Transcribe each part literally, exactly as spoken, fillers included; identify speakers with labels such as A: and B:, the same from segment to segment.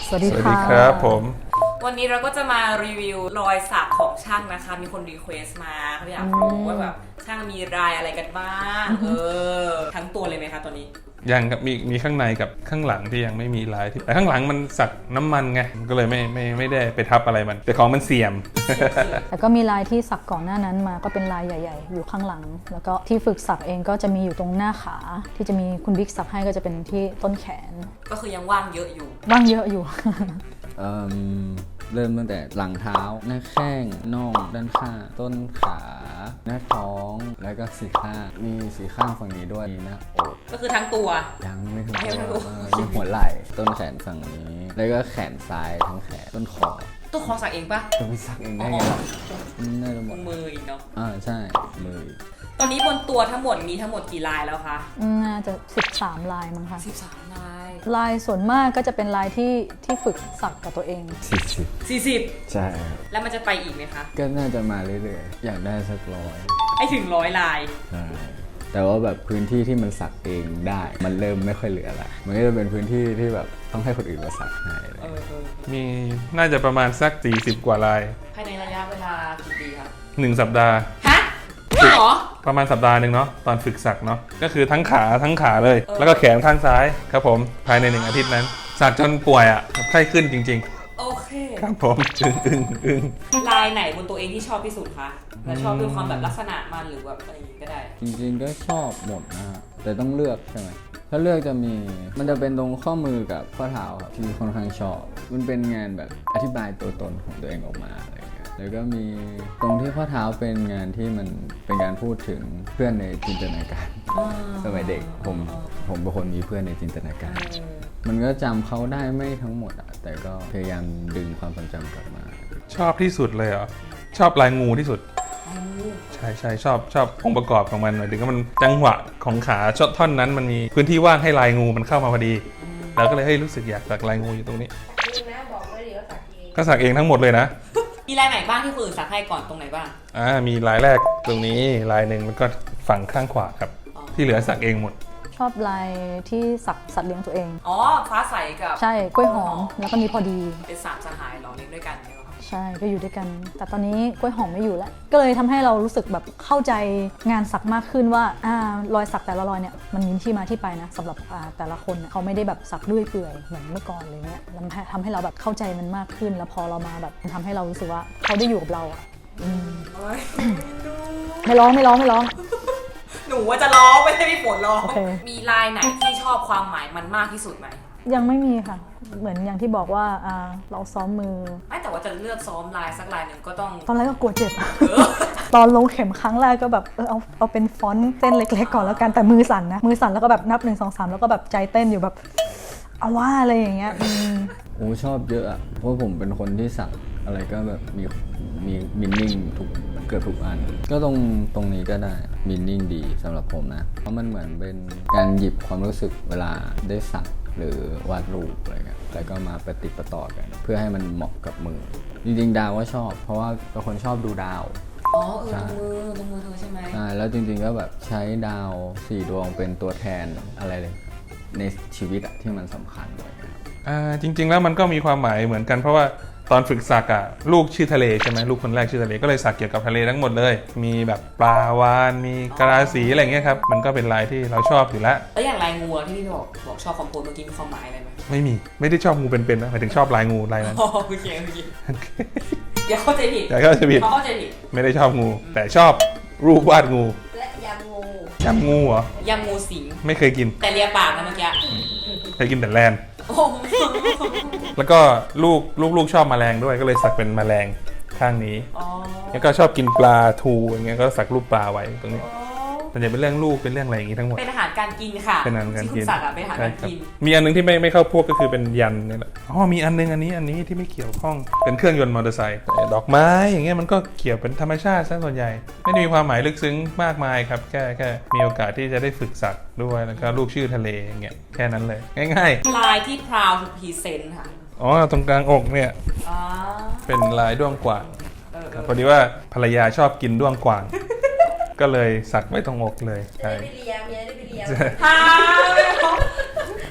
A: สวัสดี
B: สวัส
A: ค่ะ
B: ดีครับผม
C: วันนี้เราก็จะมารีวิวรอยสักของช่างนะคะมีคนรีเควสต์มาเขาอยากรู้ว่าแบบช่างมีรายอะไรกันบ้างเออทั้งตัวเลยไหมคะตัวนี้
B: ยังครับมีมีข้างในกับข้างหลังที่ยังไม่มีลายที่แต่ข้างหลังมันสักน้ำมันไงก็เลยไม่ไม่ไม่ได้ไปทับอะไรมันแต่ของมันเสี่ยม
A: แต่ก็มีลายที่สักก่อนหน้านั้นมาก็เป็นลายใหญ่ๆอยู่ข้างหลังแล้วก็ที่ฝึกสักเองก็จะมีอยู่ตรงหน้าขาที่จะมีคุณบิ๊กสักให้ก็จะเป็นที่ต้นแขน
C: ก็คือยังว่างเยอะอยู่
A: ว่างเยอะอยู่
D: เอิ่มเริ่มตั้งแต่หลังเท้าหน้าแข้งน่องด้านข้างต้นขาหน้าท้องแล้วก็สีข้างมีสีข้างฝั่งนี้ด้วยมีหน้าอก
C: ก็คือทั้งตัว
D: ยังไม่ถึง
C: ไม่ถึง
D: ตัวเออมีหัวไหล่ต้นแขนฝั่งนี้ แล้วก็แขนซ้ายทั้งแขนต้นคอ
C: ตัวคอสักเองปะ
D: จะไปสักเองได้ไงล่ะน่าจะหมด
C: มืออีกเนาะ
D: อ่าใช่มือ
C: ตอนนี้บนตัวทั้งหมดมีทั้งหมดกี่ลายแล้วคะ
A: น่าจะสิบสามลายมั้งคะ
C: สิบสามลาย
A: ลายส่วนมากก็จะเป็นลายที่ที่ฝึกสักกับตัวเอง
D: สี่สิบ
C: สี่สิบ
D: ใช่ครับ
C: แล้วมันจะไปอีกไหมคะ
D: ก็น่าจะมาเรื่อยๆอยากได้สักร้อย
C: ให้ถึงร้อยลาย
D: ใช่แต่ว่าแบบพื้นที่ที่มันสักเองได้ มันเริ่มไม่ค่อยเหลือละมันก็จะเป็นพื้นที่ที่แบบต้องให้คนอื่นมาสักให้อะไร
C: เออเออ
B: มีน่าจะประมาณสักสี่สิบกว่าลาย
C: ภายในระยะเวลากี่ปีครับ
B: หนึ่งสัปดาห์
C: ฮะจริงเหรอ
B: ประมาณสัปดาห์หนึ่งเนาะตอนฝึกสักเนาะก็คือทั้งขาทั้งขาเลย
C: เออ
B: แล้วก็แขนข้างซ้ายครับผมภายในหนึ่งอาทิตย์นั้นสักจนป่วยอ่ะไข้ขึ้นจริง
C: โอเค
B: ๆ ครับผมอึ้งอึ้งอึ้ง
C: ลายไหนบนตัวเองที่ชอบที่สุดคะและชอบด้วยความแบบลักษณะมันหรือแบบอะไรอย่างงี้ก็ได้
D: จริงๆก็ชอบหมดนะฮะแต่ต้องเลือกใช่ไหมถ้าเลือกจะมีมันจะเป็นตรงข้อมือกับข้อเท้าครับที่ค่อนข้างชอบ มันเป็นงานแบบอธิบายตัวตนของตัวเองออกมาอะไรอย่างเงี้ยแล้วก็มีตรงที่ข้อเท้าเป็นงานที่มันเป็นการพูดถึงเพื่อนในจินตนาการ สมัยเด็กผมผมเป็นคนมีเพื่อนในจินตนาการ มันก็จำเขาได้ไม่ทั้งหมดอะแต่ก็พยายามดึงความทรงจำกลับมา
B: ชอบที่สุดเลยเหรอชอบลายงูที่สุด ใช่ใช่ชอบชอบองค์ประกอบของมันหมายถึงว่ามันจังหวะของขาชดท่อนนั้นมันมีพื้นที่ว่างให้ลายงูมันเข้ามาพอดี แล้วก็เลยเฮ้ยรู้สึกอยากสักลายงูอยู่ตรงนี้
E: จริงนะบอกไว้เดี๋ยวสักเอง
B: ก็สักเองทั้งหมดเลยนะ
C: มีลายไหนบ้างที่คนอื่นสักให้ก่อนตรงไหนบ้าง
B: อ่ามีลายแรกตรงนี้ลายหนึ่งแล้วก็ฝั่งข้างขวาครับ
C: อ๋อ
B: ที่เหลือสักเองหมด
A: ชอบลายที่สักสัตว์เลี้ยงตัวเอง
C: อ๋อฟ้าใสกับ
A: ใช่กล้วยหอมแล้วก็มีพอดี
C: เป็นสามสหายเหรอเลี้ยงด้วยกันเนี่ยเหรอ
A: ใช่ก็อยู่ด้วยกัน แต่ตอนนี้กล้วยหอมไม่อยู่แล้ว ก็เลยทำให้เรารู้สึกแบบเข้าใจงานสักมากขึ้นว่าอ่ารอยสักแต่ละรอยเนี่ยมันมีที่มาที่ไปนะสำหรับอ่าแต่ละคนเนี่ยเขาไม่ได้แบบสักเรื่อยเปื่อยเหมือนเมื่อก่อนเลยเนี่ยแล้วทำให้เราแบบเข้าใจมันมากขึ้น แล้วพอเรามาแบบมันทำให้เรารู้สึกว่าเขาได้อยู่กับเราอ่ะอืม
C: โอ๊ย
A: ไม่ร้องไม่ร้องไม่ร้อง
C: หนูว่าจะร้องไม่ใช่พี่ฝนร้อง
A: โอเค
C: มีลายไหนที่ชอบความหมายมันมากที่สุดไหม
A: ยังไม่มีค่ะ เหมือนอย่างที่บอกว่าอ่าเราซ้อมมือ
C: ไม่แต่ว่าจะเลือกซ้อมลายสักลายหนึ่งก็ต้อง
A: ตอนแรกก็กลัวเจ็บ ตอนลงเข็มครั้งแรกก็แบบเออเอาเอาเป็นฟอนต์เส้นเล็กๆก่อนแล้วกันแต่มือสั่นนะมือสั่นแล้วก็แบบนับหนึ่งสองสามแล้วก็แบบใจเต้นอยู่แบบเอาว่าอะไรอย่างเงี้ยอืม
D: โอ้ชอบเยอะอะเพราะผมเป็นคนที่สักอะไรก็แบบมีมีมินนิ่งทุกเกือบทุกอัน ก็ตรงตรงนี้ก็ได้มินนิ่งดีสำหรับผมนะ เพราะมันเหมือนเป็นการหยิบความรู้สึกเวลาได้สักหรือวาดรูปอะไรเงี้ยแล้วก็มาประติดประต่อกัน เพื่อให้มันเหมาะกับมือ จริงๆดาวว่าชอบ เพราะว่าเป็นคนชอบดูดาว
C: อ๋อเออตรงมือตรงมือเธอใช่ไหม
D: ใช่แล้วจริงๆก็แบบใช้ดาวสี่ดวงเป็นตัวแทนอะไรเลย ในชีวิตอะที่มันสำคัญอะไรเงี้ย
B: อ่าจริงๆแล้วมันก็มีความหมายเหมือนกันเพราะว่าตอนฝึกสักอ่ะลูกชื่อทะเลใช่ไหมลูกคนแรกชื่อทะเลก็เลยสักเกี่ยวกับทะเลทั้งหมดเลย มีแบบปลาวาฬมีกระสีอะไรเงี้ยครับมันก็เป็นลายที่เราชอบอยู่แล้ว
C: แล้วอย่างลายงูอะที่พี่บอกบอกชอบคอมโพสเมื่อกี้มีความหมายอะไรไหม
B: ไม่มีไม่ได้ชอบงูเป็นๆนะหมายถึงชอบลายงูลายนั้น
C: อ๋อโอเคโอเคเดี๋ยวเข้าใจผิด
B: แต่ก็จะผิด
C: เขาเข้าใจผิด
B: ไม่ได้ชอบงู แต่ชอบรูปวาดงู
E: และยำงู
B: ยำงูเหรอย
C: ำงูสิง
B: ไม่เคยกิน
C: แต่เลียปากนะเมื่อกี้
B: เคยกินแต่แลน
C: โอ้โห
B: แล้วก็ลูกลูกลูกชอบแมลงด้วยก็เลยสักเป็นแมลงข้างนี้
C: อ๋อ
B: แล้วก็ชอบกินปลาทูอย่างเงี้ยก็สักรูปปลาไว้ตรงนี้มันจะเป็นเรื่องลูกเป็นเรื่องอะไรอย่างงี้ทั้งหมด
C: เป็นอาหารการกินค่ะ
B: เป็นอาหารการ
C: ที่คุ
B: กิ
C: ณ
B: น
C: สักอะเป็นอาหารการกิน
B: มีอันนึงที่ไม่ไม่เข้าพวกก็คือเป็นยันนี่แหละอ๋อมีอันนึงอันนี้อันนี้ที่ไม่เกี่ยวข้องเป็นเครื่องยนต์มอเตอร์ไซค์แต่ดอกไม้อย่างเงี้ยมันก็เกี่ยวเป็นธรรมชาติซะส่วนใหญ่ไม่ได้มีความหมายลึกซึ้งมากมายครับแค่แค่มีโอกาสที่จะได้ฝึกสักด้วยแล้วก็รูปชื่อทะเลอย่างเงี้ยแค่นั้นเลยง่าย
C: ลายที่ proud to present ค่ะ
B: ๆอ๋อตรงกลางอกเนี่ย
C: อ๋อ
B: เป็นลายด้วงกว่าง
C: เออ
B: ครับพอดีว่าภรรยาชอบกินด้วงกว่าง ก็เลยสักไว้ตรงอกเลย
E: จะ
B: ใช่
E: ได้ไปเลียเมียได้ไปเลีย
C: ฮ่า
E: จะได้ไป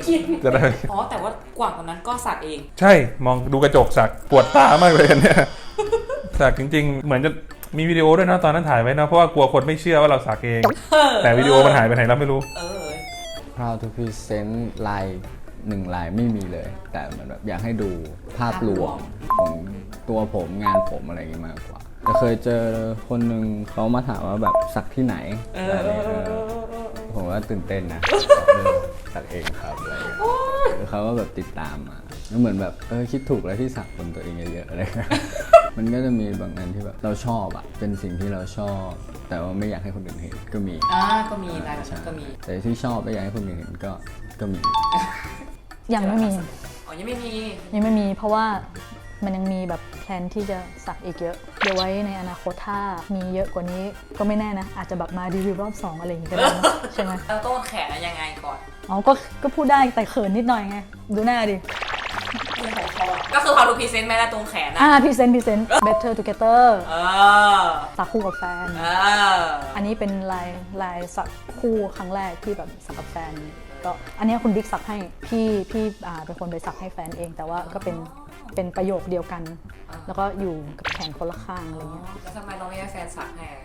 C: กิน
B: จะได้
C: อ๋อแต่ว่ากว่างตอนนั้นก็สักเอง
B: ใช่มองดูกระจกสักปวดตามากเลยอันเนี่ยสักจริงๆ เหมือนจะมีวิดีโอด้วยนะตอนนั้นถ่ายไว้นะเพราะว่ากลัวคนไม่เชื่อว่าเราสักเอง แต่วิดีโอมันหายไปไหนเราไม่รู้
C: เออ
D: proud to present ลายหนึ่งลายไม่มีเลย แต่มันแบบอยากให้ดูภาพรวมของตัวผมงานผมอะไรอย่างงี้มากกว่าแต่เคยเจอคนหนึ่งเขามาถามว่าแบบสักที่ไหน
C: เอ
D: อะไรอย่างเงี้ย
C: อ
D: เออผมว่าตื่นเต้นนะเออสักเองครับอะไรอย่างเงี้ยแล้วเขาก็แบบติดตามมาแล้วเหมือนแบบเออคิดถูกแล้วที่สักบนตัวเองเยอะๆอะไรเงี้ยมันก็จะมีบางอันที่แบบเราชอบอะเป็นสิ่งที่เราชอบ แต่ว่าไม่อยากให้คนอื่นเห็นก็มี
C: อ่าก็มีลายแบบนั้นก็มี
D: แต่ที่ชอบไม่อยากให้คนอื่นเห็นก็ก็มี
A: ยังไม่มี
C: อ๋อยังไม่มี
A: ยังไม่มีเพราะว่ามันยังมีแบบแพลนที่จะสักอีกเยอะ เดี๋ยวไว้ในอนาคตถ้ามีเยอะกว่านี้ก็ไม่แน่นะ อาจจะแบบมารีวิวรอบสองอะไรอย่างงี้ก็ได้นะ ใช่ไหม
C: เราต้นแขนยังไงก่อน
A: อ๋อก็ก็พูดได้แต่เขินนิดหน่อยไง ดูหน้าดิ
C: ที่ของเขาอะก็คือความดูพรีเซนต์แม่และตรงแขนนะ
A: อ่าพรีเซนต์พรีเซนต์ better together
C: เออ
A: สักคู่กับแฟน
C: เออ
A: อันนี้เป็นลายลายสักคู่ครั้งแรกที่แบบสักกับแฟนก็อันนี้คุณบิ๊กสักให้พี่พี่อ่าเป็นคนไปสักให้แฟนเอง แต่ว่าก็เป็นเป็นประโยคเดียวกัน แล้วก็อยู่กับแขนคนละข้างอะไรเงี้ย
C: แล้วทำไมเราไม่ให้แฟนสักให้อะ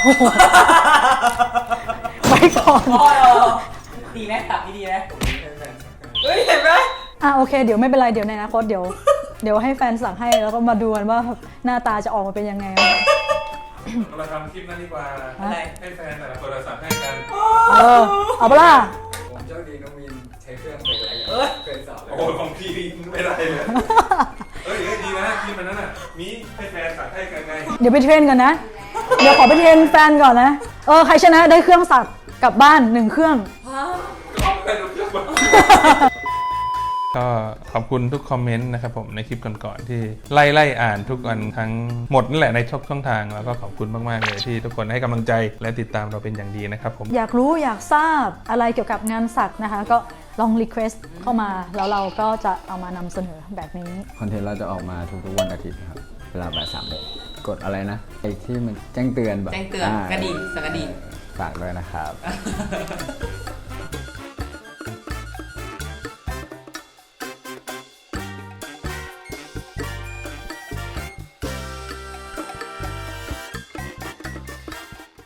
A: ไว้ก่อน
C: อ๋อดีไหมสักดีไหมเฮ้ยเห็นไหม
A: อ่ะโอเคเดี๋ยวไม่เป็นไรเดี๋ยวในอนาคตเดี๋ยวเดี๋ยวให้แฟนสักให้แล้วก็มาดูกันว่าหน้าตาจะออกมาเป็นยังไง
B: เราทำคลิปนั้นดีกว่า
C: อะไร
B: ให้แฟนแต่ละคนสักให้กัน
A: เออเอาปะล่ะ
D: ผมโชคดีน้องมินใช้เครื่องเป็นอะไร
C: เออ
D: เคยสอบเลย
B: โอ้ของพี่ไม่ได้เลยเอ้ยเอ้ยดีนะคลิปมันนั้นน่ะมีให้แฟนสักให้กันไง
A: เดี๋ยวไปเทรนกันนะ เดี๋ยวขอไปเทรนแฟนก่อนนะเออใครชนะได้เครื่องสักกลับบ้านหนึ่งเครื่อง
B: ก็ขอบคุณทุกคอมเมนต์นะครับผมในคลิปก่อนๆที่ไล่ไล่อ่านทุกวันทั้งหมดนั่นแหละในช่องช่องทางแล้วก็ขอบคุณมากๆเลยที่ทุกคนให้กำลังใจและติดตามเราเป็นอย่างดีนะครับผม
A: อยากรู้อยากทราบอะไรเกี่ยวกับงานสักนะคะ ก็ลองรีเควสต์เข้ามาแล้วเราก็จะเอามานำเสนอแบบนี้
D: คอนเทนต์เราจะออกมาทุกๆวันอาทิตย์นะครับ เวลาบ่ายสามโมงกดอะไรนะไอ้ที่มันแจ้งเตือนแบบ
C: แจ้งเตือนกระดิ่งสั่นกระดิ่ง
D: ฝากด้วยนะครับ